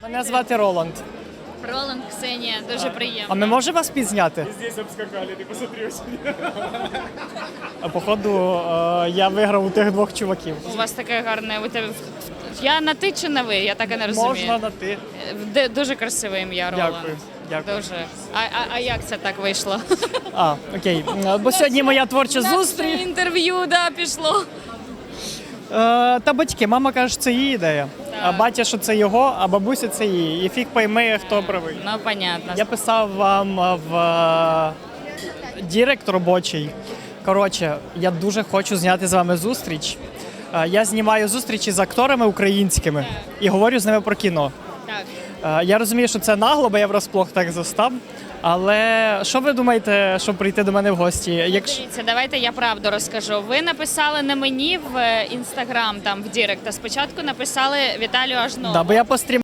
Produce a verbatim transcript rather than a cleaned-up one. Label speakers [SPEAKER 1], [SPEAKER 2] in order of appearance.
[SPEAKER 1] Мене звати Роланд.
[SPEAKER 2] Роланд, Ксенія, дуже приємно.
[SPEAKER 1] А ми можемо вас підзняти?
[SPEAKER 3] Здесь обскакали, ты посмотри очень.
[SPEAKER 1] А, Походу, е, я виграв у тих двох чуваків.
[SPEAKER 2] У вас таке гарне. У тебе я на ти чи на ви? Я так і не розумію.
[SPEAKER 1] Можна на ти.
[SPEAKER 2] Де- Дуже красиве ім'я Роланд.
[SPEAKER 1] Дякую. Дякую.
[SPEAKER 2] Дуже. А, а, а як це так вийшло?
[SPEAKER 1] А, окей. Е, Бо сьогодні моя творча
[SPEAKER 2] Наше
[SPEAKER 1] зустріч.
[SPEAKER 2] інтерв'ю, да, пішло.
[SPEAKER 1] Е, Та батьки, мама каже, що це її ідея. А батя, що це його, а бабуся це її. І фіг пойми, хто правий.
[SPEAKER 2] Ну, понятно.
[SPEAKER 1] Я писав вам е, в е, Дірект робочий. Коротше, я дуже хочу зняти з вами зустріч. Е, Я знімаю зустрічі з акторами українськими і говорю з ними про кіно.
[SPEAKER 2] Так.
[SPEAKER 1] Е, Я розумію, що це нагло, бо я врозплох так застав. Але що ви думаєте, щоб прийти до мене в гості? Якщо
[SPEAKER 2] Дивіться, давайте я правду розкажу. Ви написали не мені в інстаграм, там в Дірект, а спочатку написали Віталію Ажнову.
[SPEAKER 1] да, бо я пострім.